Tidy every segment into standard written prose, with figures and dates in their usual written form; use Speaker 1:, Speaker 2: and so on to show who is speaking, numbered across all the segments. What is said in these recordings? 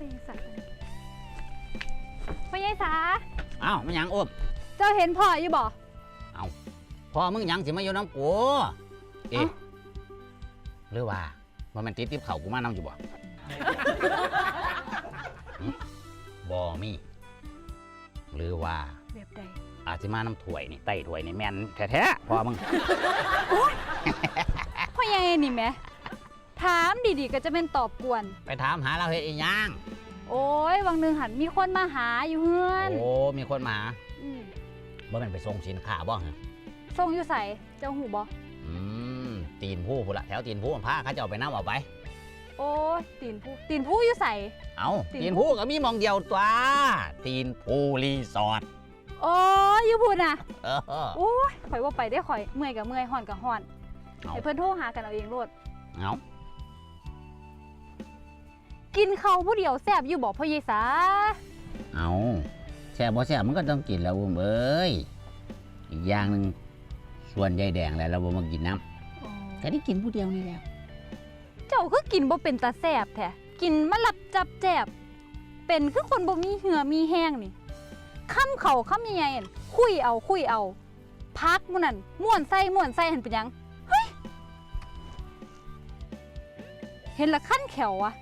Speaker 1: สัตว์พ่อใหญ่สา
Speaker 2: อ้าวมันยังอ้ม
Speaker 1: เจ้าเห็นพ่ออยู่บ่
Speaker 2: เอาพ่อมึงยังสิมาอยู่น้ำกูเอ๊ะหรือว่ามันติดติ๊บเข่ากูมาน้ำอยู่บ่บ่มีหรือว่า
Speaker 1: แบบใด
Speaker 2: อาจจะมาน้ำถ้วยนี่ไต่ถ้วยนี่แม่นแท้ๆพ่อมึง
Speaker 1: พ่อใหญ่นี่แม่ถามดีๆก็จะเป็นตอบกวน
Speaker 2: ไปถามหาเราเฮ็ดอีหยัง
Speaker 1: โอ้ยวังหนึ่งหันมีคนมาหาอยู่เฮือน
Speaker 2: โอ้มีคนมาบ่แม่นไปส่งสินค้าบ่ฮะ
Speaker 1: ส่งอยู่ใส่เจ้าหูบ่
Speaker 2: ตีนผู้พุ่นละแถวตีนผู้พาเขาจะเอาไปน้ำเอาไป
Speaker 1: โอ้ตีนผู้อยู่ใส่
Speaker 2: เอาตีนผู้ก็มีมองเดียวตัวตีนผู้รีสอร์ท
Speaker 1: โอ้อยู่พูดน่ะโอ้ยข่อยว่าไปได้ข่อยเมื่อยกับเมื่อยห่อนกับห่อนไอ้เพื่อนโทรหากันเอาเองโลด
Speaker 2: เอา
Speaker 1: กินเขาผู้เดียวแซ่บอยู่บอกพ่อเยสา
Speaker 2: เอาแซ่บบ่แซ่บมันก็ต้องกินแล้วอุ้มเอ้ยอีกอย่างหนึ่งส่วนใยแดงแล้วเราบ่มากินน้ำก็ได้กินผู้เดียวนี่แล้ว
Speaker 1: เจ้าคือกินบ่เป็นตาแซ่บแท้กินมาหลับจับแจบเป็นคือคนบ่มีเหือมีแห้งนี่ค้ำเข่าค้ำใหญ่ๆคุยเอาพักมื้อนั้นม่วนไส้หันเป็นยังเฮ้ยเห็นละขั้นแขวอะ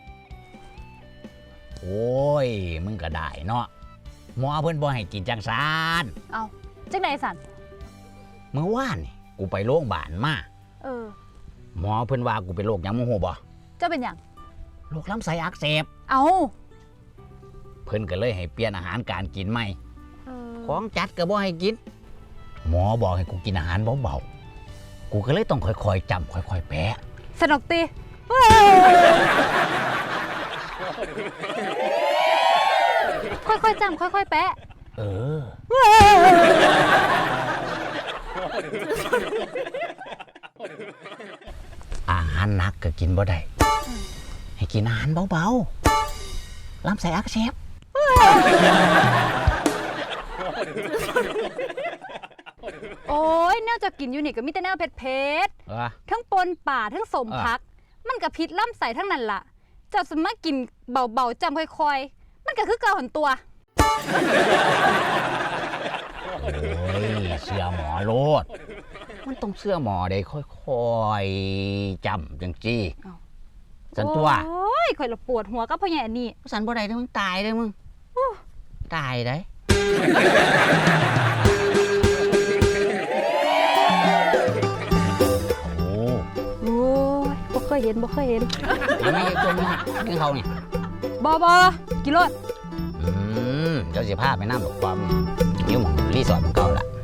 Speaker 2: โอ้ยมึงก็ได้เนาะหมอเพิ่นบ่ให้กินจังซาน
Speaker 1: เอาจังได๋สัน
Speaker 2: เมื่อวานนี่กูไปโรงพยาบาลมาหมอเพิ่นว่ากูเป็นโรคหยังมึงฮู้บ่
Speaker 1: เจ้าเป็นหยัง
Speaker 2: โรคลำไส้อักเสบ
Speaker 1: เอา
Speaker 2: เพิ่นก็เลยให้เปลี่ยนอาหารการกินใหม่ของจัดก็บ่ให้กินหมอบอกให้กูกินอาหารเบาๆกูก็เลยต้องค่อยๆจำค่อยๆแปะ
Speaker 1: สนุกติค่อยๆจำค่อยๆแปะ
Speaker 2: อาหารหนักก็กินบ่ได้ให้กินอาหารเบาๆลำไส้อักเสบ
Speaker 1: โอ้ยแนวจะกินอยู่นี่ก็มีแต่แนวเผ็ดๆทั้งปนป่าทั้งสมพักมันก็พิษล่ำใส่ทั้งนั้นล่ะเจ้าสมมากินเบาๆจำค่อยๆมันก็คือเกาหันตัว
Speaker 2: โอ้ยเชื่อหมอโลดมันต้องเชื่อหมอได้ค่อยๆจำจังจี้สันตัว
Speaker 1: โอ้ยข่อยละปวดหัวก็เพราะอย่างนี้
Speaker 2: สันบ่ได้เด้อมึงตายเด้อมึงตายได้
Speaker 1: โอ้ยบ่เคยเห็น
Speaker 2: ยังไงตัวนี้กินเขาเนี่ย
Speaker 1: บ่กินรถ
Speaker 2: เจ้าสิพาไปน้ำดอกความยิ้มรีสอร์ทของเก่าละ